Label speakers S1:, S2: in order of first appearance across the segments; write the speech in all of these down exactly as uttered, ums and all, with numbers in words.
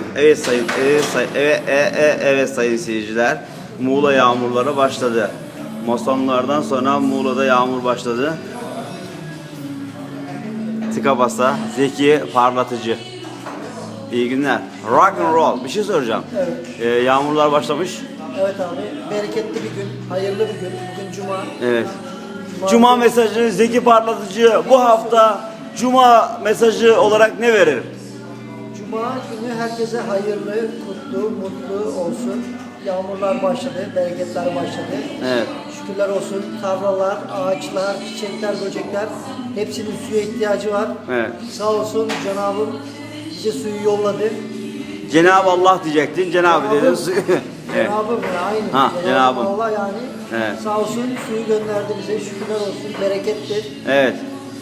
S1: Evet sayın, evet sayın, evet, evet, evet, evet sayın seyirciler. Muğla yağmurları başladı. Masonlardan sonra Muğla'da yağmur başladı. Tıka basa, Zeki parlatıcı. İyi günler. Rock and roll. Bir şey soracağım.
S2: Evet.
S1: Ee, yağmurlar başlamış.
S2: Evet abi, bereketli bir gün, hayırlı bir gün. Bugün Cuma.
S1: Evet. Cuma mesajı Zeki parlatıcı bu hafta Cuma mesajı olarak ne verir?
S2: Cuma günü herkese hayırlı, kutlu, mutlu olsun. Yağmurlar başladı, bereketler başladı.
S1: Evet.
S2: Şükürler olsun. Tarlalar, ağaçlar, çiçekler, böcekler hepsinin suya ihtiyacı var.
S1: Evet.
S2: Sağ olsun Cenab-ım bize suyu yolladı.
S1: Cenab-ı Allah diyecektin. Cenab-ı dedin. Evet.
S2: Cenab-ım ya aynı.
S1: Ha, Cenab-ım.
S2: Allah yani.
S1: Evet.
S2: Sağ olsun suyu gönderdi bize. Şükürler olsun. Berekettir.
S1: Evet.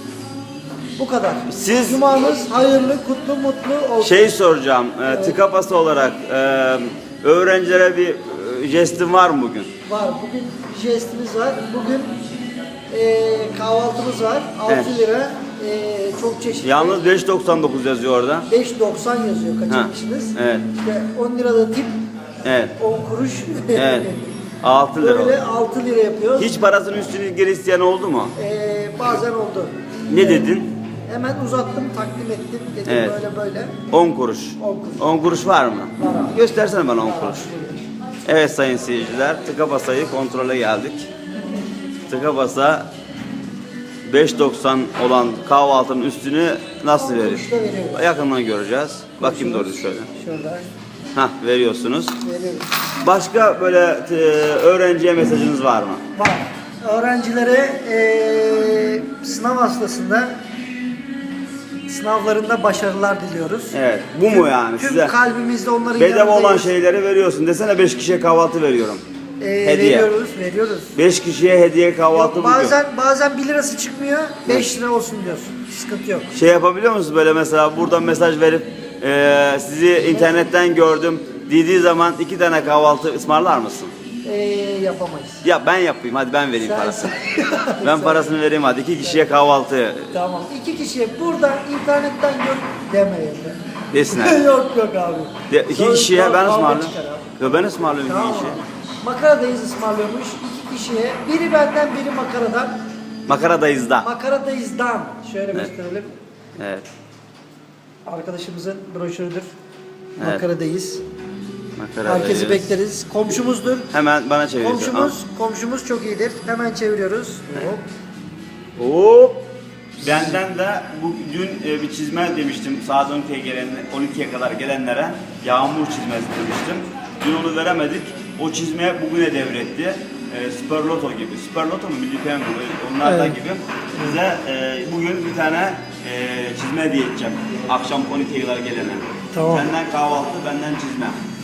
S2: Bu kadar.
S1: Siz-
S2: Cumanız hayırlı, kutlu, mutlu olsun.
S1: Şey soracağım. E, tıka basa olarak e, öğrencilere bir e, jestin var mı bugün?
S2: Var. Bugün jestimiz var. Bugün e, kahvaltımız var. altı
S1: Evet.
S2: lira. E, çok çeşitli.
S1: Yalnız beş doksan dokuz yazıyor orada.
S2: beş doksan yazıyor. Kaçırmışsınız.
S1: Ha, evet.
S2: İşte on lirada tip,
S1: Evet.
S2: on kuruş.
S1: Evet. altı lira.
S2: Böyle altı lira yapıyoruz.
S1: Hiç parasının üstünü geri isteyen oldu mu?
S2: E, bazen oldu.
S1: Ne dedin?
S2: Hemen uzattım, takdim ettim. Dedim
S1: Evet.
S2: böyle böyle.
S1: on kuruş.
S2: on kuruş.
S1: on kuruş var mı?
S2: Var abi.
S1: Göstersene bana on
S2: Var.
S1: kuruş. Evet sayın seyirciler, tıka basayı kontrole geldik. Tıka basa beş doksan olan kahvaltının üstünü nasıl
S2: on
S1: verir?
S2: kuruşta veriyoruz.
S1: Yakından göreceğiz. Bakayım doğru şöyle.
S2: Şurada
S1: Hah, veriyorsunuz.
S2: veriyoruz.
S1: Başka böyle e, öğrenciye mesajınız var mı?
S2: Var. Öğrencilere eee sınav hastasında sınavlarında başarılar diliyoruz.
S1: Evet. Bu mu yani
S2: Tüm
S1: size?
S2: kalbimizle onların
S1: Bedava olan
S2: yanındayız.
S1: şeyleri veriyorsun. Desene beş kişiye kahvaltı veriyorum.
S2: Eee,
S1: Hediye.
S2: Veriyoruz, veriyoruz.
S1: beş kişiye hediye kahvaltı
S2: Yok,
S1: bugün.
S2: bazen bazen bir lirası çıkmıyor, beş lira olsun diyorsun. Sıkıntı yok.
S1: Şey yapabiliyor musunuz böyle mesela buradan mesaj verip e, sizi internetten gördüm dediği zaman iki tane kahvaltı ısmarlar mısın?
S2: Eee yapamayız.
S1: Ya ben yapayım hadi ben vereyim
S2: Sen-
S1: parasını.
S2: sen-
S1: Ben parasını vereyim hadi iki kişiye kahvaltı
S2: Tamam. İki kişiye buradan internetten gör demeyin.
S1: desinler.
S2: yok yok abi.
S1: De, iki
S2: Sonra
S1: kişiye ben
S2: kavga
S1: ısmarlıyorum.
S2: çıkar abi.
S1: Yo ben ısmarlıyorum
S2: Tamam.
S1: iki kişiye.
S2: Makaradayız ısmarlıyormuş iki kişiye. Biri benden biri makaradan.
S1: Makaradayız da.
S2: Makaradayız'dan. Şöyle gösterelim.
S1: Evet.
S2: Arkadaşımızın broşürüdür.
S1: Evet.
S2: Makaradayız.
S1: Makaradayız.
S2: Herkesi bekleriz. Komşumuzdur.
S1: Hemen bana çeviriyorsun.
S2: Komşumuz, komşumuz çok iyidir. Hemen çeviriyoruz. Hop.
S1: Hop. Benden de bu dün e, bir çizme demiştim saat on ikiye gelen on ikiye kadar gelenlere yağmur çizmesi demiştim. Dün onu veremedik. O çizmeye bugüne devretti. E, Super Loto gibi. Super Loto mu Milli Piyango mu? Onlardan
S2: Evet.
S1: gibi. Bize e, bugün bir tane e, çizme hediye edeceğim. Akşam on ikiye kadar gelene.
S2: Tamam.
S1: Senden kahvaltı, benden çizme.